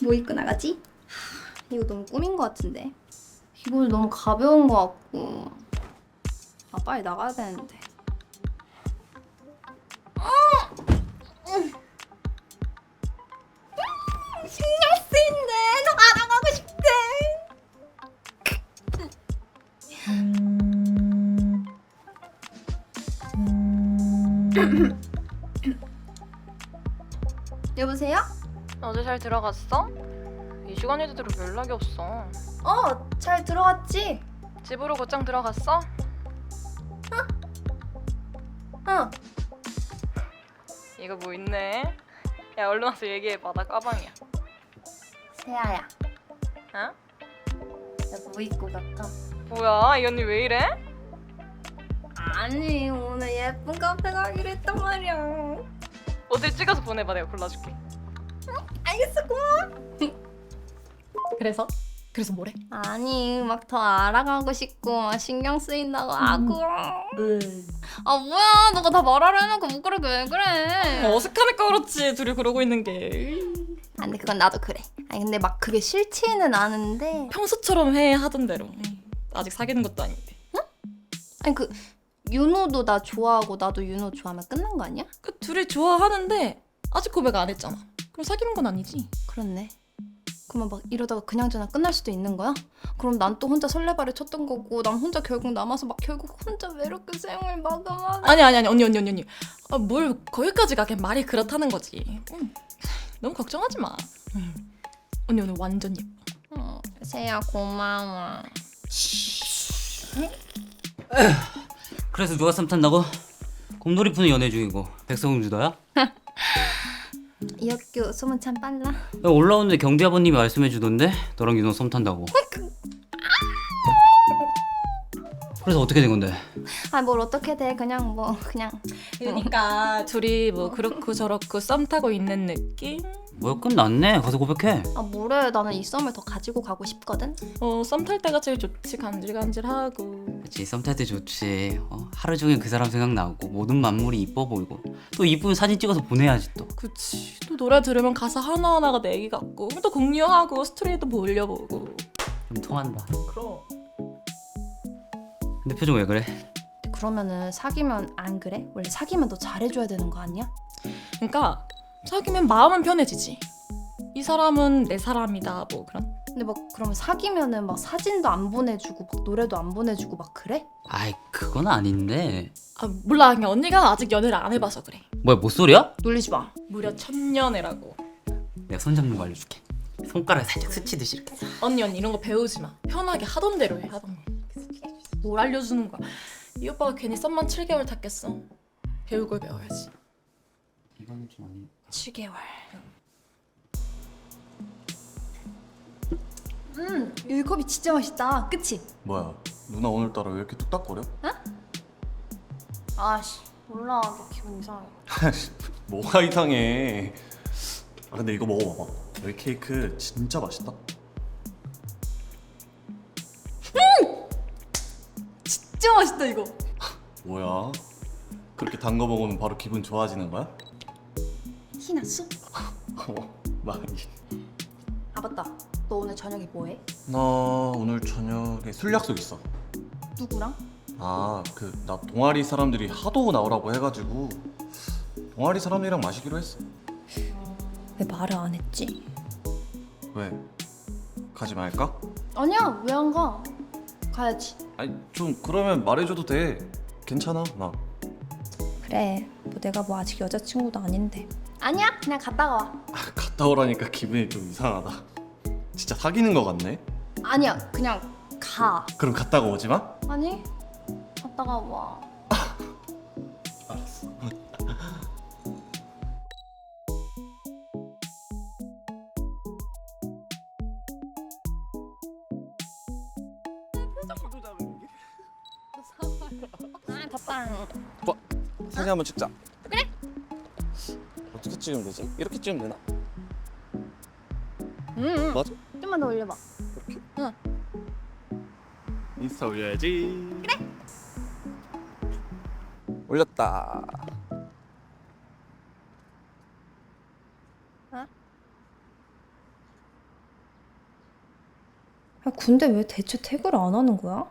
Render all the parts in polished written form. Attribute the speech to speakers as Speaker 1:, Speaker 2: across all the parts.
Speaker 1: 뭐 입고 나가지? 이거 너무 꾸민 것 같은데. 이거 너무 가벼운 것 같고. 아, 빨리 나가야 되는데. 신경 쓰인데. 나 나가고 싶대. 여보세요?
Speaker 2: 어제 잘 들어갔어? 이 시간에도 들어 연락이 없어.
Speaker 1: 잘 들어갔지?
Speaker 2: 집으로 곧장 들어갔어?
Speaker 1: 응.
Speaker 2: 이거 뭐 있네. 야 얼른 와서 얘기해봐. 나 가방이야.
Speaker 1: 세아야,
Speaker 2: 어?
Speaker 1: 나 뭐 입고 갈까?
Speaker 2: 뭐야 이 언니 왜 이래?
Speaker 1: 아니, 오늘 예쁜 카페 가기로 했단 말이야.
Speaker 2: 어디 찍어서 보내봐. 내가 골라줄게.
Speaker 1: 알겠어, 고마워.
Speaker 3: 그래서 뭐래?
Speaker 1: 아니, 막 더 알아가고 싶고 막 신경 쓰인다고 하고. 아, 뭐야, 너가 다 말하려 해놓고 못 그러게 왜 그래?
Speaker 3: 어색하니까 그렇지. 둘이 그러고 있는 게.
Speaker 1: 아, 근데 그건 나도 그래. 아니, 근데 막 그게 싫지는 않은데.
Speaker 3: 평소처럼 해 하던 대로. 아직 사귀는 것도 아닌데.
Speaker 1: 아니, 그 윤호도 나 좋아하고 나도 윤호 좋아하면 끝난 거 아니야?
Speaker 3: 그 둘이 좋아하는데 아직 고백 안 했잖아. 그럼 사귀는 건 아니지.
Speaker 1: 그렇네. 그러면 막 이러다가 그냥 저냥 끝날 수도 있는 거야? 그럼 난 또 혼자 설레발을 쳤던 거고 난 혼자 결국 남아서 막 결국 혼자 외롭게 생을 마감하는.
Speaker 3: 아니 언니. 아, 뭘 거기까지 가게 말이 그렇다는 거지. 너무 걱정하지 마. 언니 오늘 완전 예뻐.
Speaker 1: 세야 고마워.
Speaker 4: 그래서 누가 썸 탄다고? 곰돌이 푸는 연애 중이고 백성웅 주더야?
Speaker 1: 이 학교 소문 참 빨라.
Speaker 4: 야, 올라오는데 경비 아버님이 말씀해 주던데 너랑 윤호 썸 탄다고. 그래서 어떻게 된 건데?
Speaker 1: 아, 뭘 어떻게 돼. 그냥 뭐 그냥.
Speaker 3: 그러니까 둘이 뭐 그렇고 저렇고 썸 타고 있는 느낌?
Speaker 4: 뭐야 끝났네. 가서 고백해.
Speaker 1: 아, 뭐래. 나는 이 썸을 더 가지고 가고 싶거든.
Speaker 3: 썸 탈 때가 제일 좋지. 간질간질하고.
Speaker 4: 그치 썸 탈 때 좋지. 하루 종일 그 사람 생각나고 모든 만물이 이뻐 보이고 또 이쁜 사진 찍어서 보내야지 또.
Speaker 3: 그치. 또 노래 들으면 가사 하나하나가 내 얘기 같고 또 공유하고 스토리도 뭐 올려보고.
Speaker 4: 좀 통한다.
Speaker 3: 그럼.
Speaker 4: 근데 표정 왜 그래?
Speaker 1: 그러면은 사귀면 안 그래? 원래 사귀면 너 잘해줘야 되는 거 아니야?
Speaker 3: 그러니까 사귀면 마음은 편해지지. 이 사람은 내 사람이다 뭐 그런.
Speaker 1: 근데 막 그러면 사귀면은 막 사진도 안 보내주고 막 노래도 안 보내주고 막 그래?
Speaker 4: 아이 그건 아닌데.
Speaker 3: 아 몰라. 그냥 언니가 아직 연애를 안 해봐서 그래.
Speaker 4: 뭐야 못소리야?
Speaker 1: 놀리지 마.
Speaker 3: 무려 1000년애라고.
Speaker 4: 내가 손 잡는 거 알려줄게. 손가락 살짝 스치듯이 이렇게.
Speaker 3: 언니 이런 거 배우지 마. 편하게 하던 대로 해 하던 거. 뭘 알려주는 거야. 이 오빠가 괜히 썸만 7개월 탔겠어. 배울 걸 배워야지.
Speaker 4: 이거는 좀 아니.
Speaker 1: 7개월. 이 컵이 진짜 맛있다. 그치?
Speaker 5: 뭐야 누나 오늘따라 왜 이렇게 뚝딱거려?
Speaker 1: 아씨, 몰라. 너 기분 이상해.
Speaker 5: 뭐가 이상해. 아 근데 이거 먹어봐봐. 여기 케이크 진짜 맛있다.
Speaker 1: 진짜 맛있다 이거.
Speaker 5: 뭐야 그렇게 단 거 먹으면 바로 기분 좋아지는 거야?
Speaker 1: 티 났어?
Speaker 5: 많이.
Speaker 1: 아, 맞다. 너 오늘 저녁에 뭐해?
Speaker 5: 나 오늘 저녁에 술 약속 있어.
Speaker 1: 누구랑?
Speaker 5: 아 그 나 동아리 사람들이 하도 나오라고 해가지고 동아리 사람들이랑 마시기로 했어.
Speaker 1: 왜 말을 안 했지?
Speaker 5: 왜? 가지 말까?
Speaker 1: 아니야, 왜 안 가? 가야지.
Speaker 5: 아니 좀 그러면 말해줘도 돼. 괜찮아 나.
Speaker 1: 그래, 뭐 내가 뭐 아직 여자친구도 아닌데. 아니야, 그냥 갔다가 와.
Speaker 5: 갔다 오라니까 기분이 좀 이상하다. 진짜 사귀는 거 같네.
Speaker 1: 아니야, 그냥 가.
Speaker 5: 그럼 갔다가 오지 마.
Speaker 1: 아니, 갔다가 와.
Speaker 5: 알았어.
Speaker 1: 아, 덥다.
Speaker 5: 사진 한번 찍자. 그래. 어떻게 찍으면 되지? 이렇게 찍으면 되나? 맞아?
Speaker 1: 좀만 더 올려봐.
Speaker 5: 인스타 올려야지. 그래. 올렸다.
Speaker 1: 근데 왜 대체 태그를 안 하는 거야?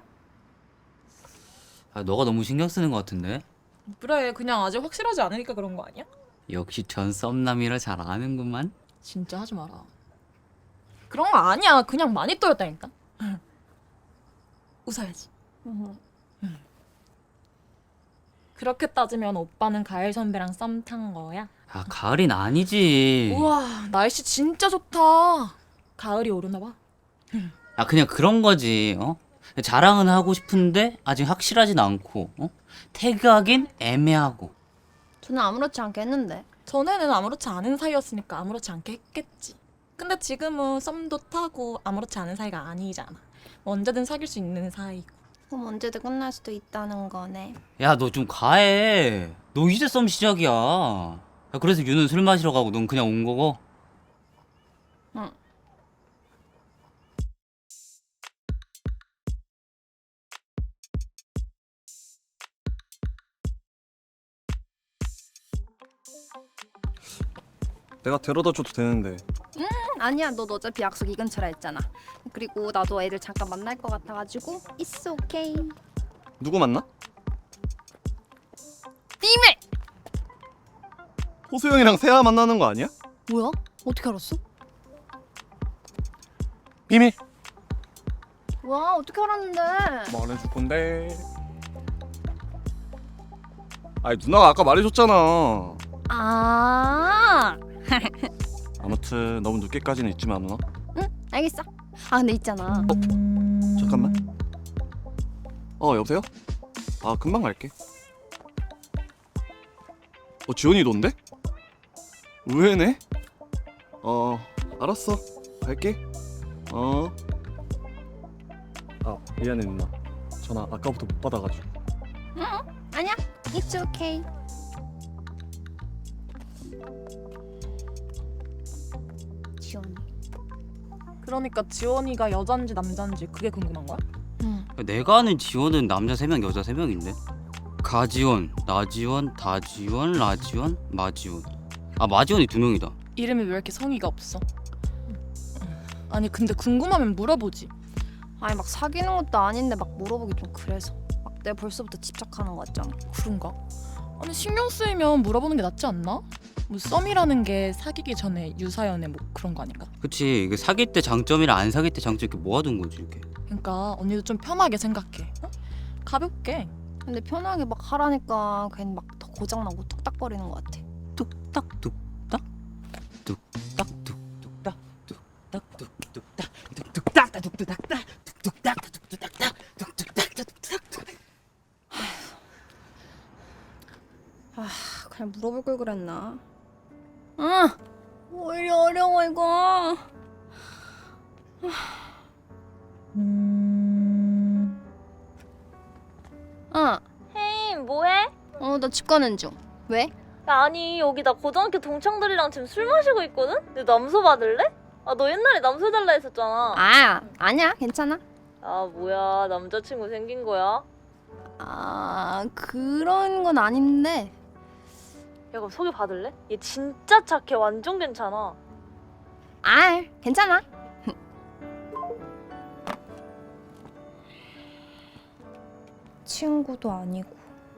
Speaker 4: 아, 너가 너무 신경 쓰는 것 같은데?
Speaker 3: 그래, 그냥 아직 확실하지 않으니까 그런 거 아니야?
Speaker 4: 역시 전 썸남이라 잘 아는구만.
Speaker 3: 진짜 하지 마라. 그런 거 아니야. 그냥 많이 떠였다니까. 웃어야지. 그렇게 따지면 오빠는 가을 선배랑 썸 탄 거야?
Speaker 4: 아, 가을인 아니지.
Speaker 3: 우와, 날씨 진짜 좋다. 가을이 오르나 봐.
Speaker 4: 아, 그냥 그런 거지. 어? 자랑은 하고 싶은데 아직 확실하진 않고. 어? 태그하긴 애매하고.
Speaker 1: 저는 아무렇지 않게 했는데.
Speaker 3: 전에는 아무렇지 않은 사이였으니까 아무렇지 않게 했겠지. 근데 지금은 썸도 타고 아무렇지 않은 사이가 아니잖아. 뭐 언제든 사귈 수 있는 사이고.
Speaker 1: 그럼 언제든 끝날 수도 있다는 거네.
Speaker 4: 야, 너 좀 과해. 너 이제 썸 시작이야. 야, 그래서 유는 술 마시러 가고 넌 그냥 온 거고.
Speaker 1: 응.
Speaker 5: 내가 데려다 줘도 되는데.
Speaker 1: 아니야, 너 어차피 약속 이 근처라 했잖아. 그리고 나도 애들 잠깐 만날 것 같아가지고 It's okay.
Speaker 5: 누구 만나?
Speaker 1: 비밀!
Speaker 5: 호수영이랑 세아 만나는 거 아니야?
Speaker 1: 뭐야? 어떻게 알았어?
Speaker 5: 비밀.
Speaker 1: 와, 어떻게 알았는데?
Speaker 5: 말해줄 건데. 아니 누나가 아까 말해줬잖아.
Speaker 1: 아,
Speaker 5: 아무튼 너무 늦게까지는 있지 마 누나.
Speaker 1: 응, 알겠어. 아, 근데 있잖아.
Speaker 5: 잠깐만. 여보세요? 아 금방 갈게. 지원이 넌데? 의외네? 알았어. 갈게. 아 미안해 누나. 전화 아까부터 못 받아가지고.
Speaker 1: 아니야, It's okay. 지원이.
Speaker 3: 그러니까 지원이가 여잔지 남잔지 그게 궁금한 거야?
Speaker 1: 응.
Speaker 4: 내가 아는 지원은 남자 3명, 여자 3명인데. 가지원, 나지원, 다지원, 라지원, 마지원. 아, 마지원이 2명이다.
Speaker 3: 이름이 왜 이렇게 성의가 없어? 아니 근데 궁금하면 물어보지.
Speaker 1: 아니 막 사귀는 것도 아닌데 막 물어보기 좀 그래서. 막 내가 벌써부터 집착하는 거 같잖아.
Speaker 3: 그런가? 아니 신경 쓰이면 물어보는 게 낫지 않나? 뭐 썸이라는 게 사귀기 전에 유사연애 뭐 그런 거 아닐까?
Speaker 4: 그치, 이게 사귈 때 장점이랑 안 사귈 때 장점 이렇게 모아둔 거지, 이렇게.
Speaker 3: 그러니까 언니도 좀 편하게 생각해. 어? 가볍게.
Speaker 1: 근데 편하게 막 하라니까 괜히 막 더 고장나고 뚝딱거리는 것 같아.
Speaker 4: 뚝딱 뚝딱 뚝딱 뚝뚝딱 뚝딱 뚝뚝딱 뚝뚝딱 뚝뚝딱 뚝뚝딱 뚝뚝딱 뚝뚝딱 뚝뚝딱.
Speaker 1: 그냥 물어볼 걸 그랬나? 아, 오히려 어려워 이거.
Speaker 2: 헤이 뭐해?
Speaker 1: 나 집 가는 중. 왜?
Speaker 2: 야, 아니 여기 나 고등학교 동창들이랑 지금 술 마시고 있거든? 내 남소 받을래? 아 너 옛날에 남소 달라 했었잖아.
Speaker 1: 아니야, 괜찮아.
Speaker 2: 아 뭐야 남자친구 생긴 거야?
Speaker 1: 그런 건 아닌데.
Speaker 2: 야 그럼 소개 받을래? 얘 진짜 착해 완전 괜찮아.
Speaker 1: 괜찮아. 친구도 아니고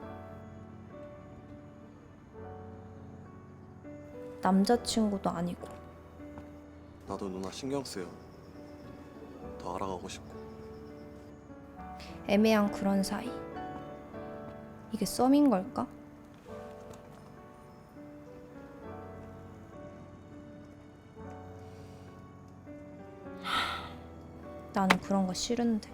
Speaker 1: 남자친구도 아니고.
Speaker 5: 나도 누나 신경 쓰여. 더 알아가고 싶고.
Speaker 1: 애매한 그런 사이. 이게 썸인 걸까? 나는 그런 거 싫은데.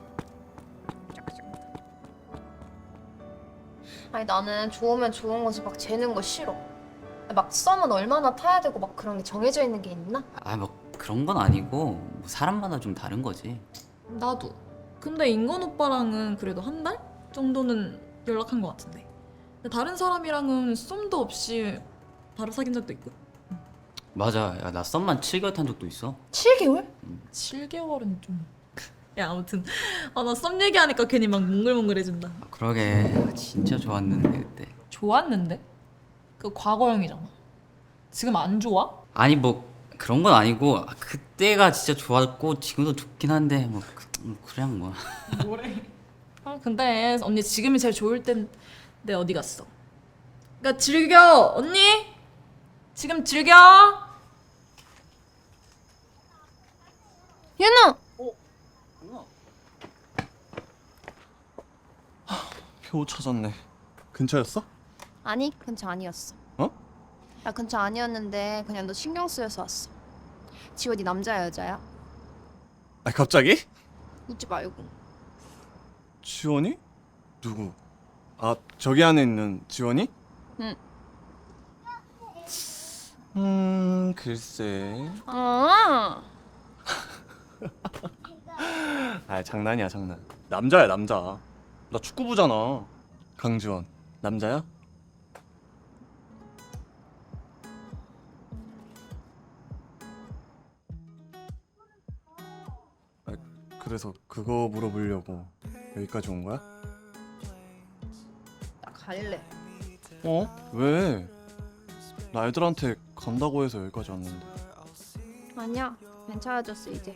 Speaker 1: 아니 나는 좋으면 좋은 거지 막 재는 거 싫어. 막 썸은 얼마나 타야 되고 막 그런 게 정해져 있는 게 있나?
Speaker 4: 아, 뭐 그런 건 아니고 뭐 사람마다 좀 다른 거지.
Speaker 3: 나도. 근데 인건 오빠랑은 그래도 한 달 정도는 연락한 것 같은데. 근데 다른 사람이랑은 썸도 없이 바로 사귄 적도 있고.
Speaker 4: 맞아. 야, 나 썸만 7개월 탄 적도 있어.
Speaker 1: 7개월?
Speaker 3: 7개월은 좀. 야 아무튼 나 썸 얘기하니까 괜히 막 몽글몽글해진다.
Speaker 4: 아, 그러게. 진짜 좋았는데 그때.
Speaker 3: 좋았는데? 그 과거형이잖아. 지금 안 좋아?
Speaker 4: 아니 뭐 그런 건 아니고 그때가 진짜 좋았고 지금도 좋긴 한데 뭐 그냥 뭐.
Speaker 3: 뭐래? 근데 언니 지금이 제일 좋을 텐데 어디 갔어? 그러니까 즐겨 언니. 지금 즐겨.
Speaker 1: 윤우!
Speaker 5: 표 찾았네. 근처였어?
Speaker 1: 아니 근처 아니었어.
Speaker 5: 어?
Speaker 1: 나 근처 아니었는데 그냥 너 신경 쓰여서 왔어. 지원이 남자야 여자야?
Speaker 5: 아 갑자기?
Speaker 1: 웃지 말고.
Speaker 5: 지원이? 누구? 아 저기 안에 있는 지원이?
Speaker 1: 응.
Speaker 5: 글쎄.
Speaker 1: 아
Speaker 5: 아 장난이야 장난. 남자야 남자. 나 축구부잖아. 강지원 남자야? 아, 그래서 그거 물어보려고 여기까지 온 거야?
Speaker 1: 나 갈래.
Speaker 5: 어? 왜? 나 애들한테 간다고 해서 여기까지 왔는데.
Speaker 1: 아니야 괜찮아졌어 이제.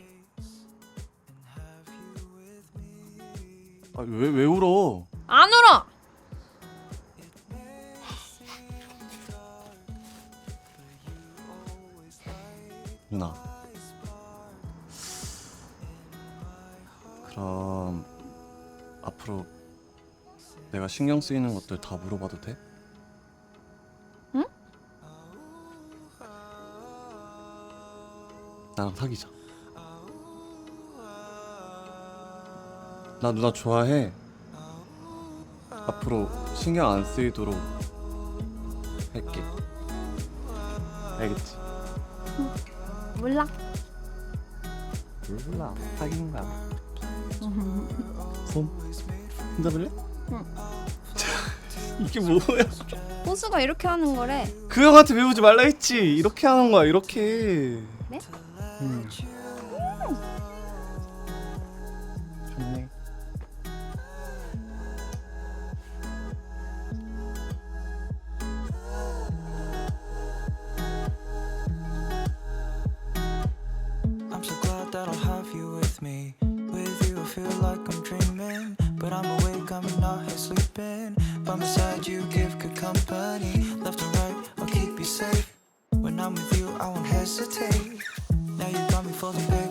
Speaker 5: 아, 왜 울어?
Speaker 1: 안 울어!
Speaker 5: 누나. 그럼 앞으로 내가 신경 쓰이는 것들 다 물어봐도 돼?
Speaker 1: 응?
Speaker 5: 나랑 사귀자. 나 누나 좋아해. 앞으로 신경 안 쓰이도록 할게. 알겠지?
Speaker 1: 몰라.
Speaker 5: 몰라. 사귀는 거야. 손 흔들래?
Speaker 1: 응.
Speaker 5: 이게 뭐야?
Speaker 1: 호수가 이렇게 하는 거래.
Speaker 5: 그 형한테 배우지 말라 했지. 이렇게 하는 거야. 이렇게.
Speaker 1: 네?
Speaker 5: 좋네.
Speaker 6: I'm so glad that I'll have you with me. With you I feel like I'm dreaming, but I'm awake, I'm not here sleeping. By my side you give good company. Left and right, I'll keep you safe. When I'm with you I won't hesitate. Now you got me falling, baby.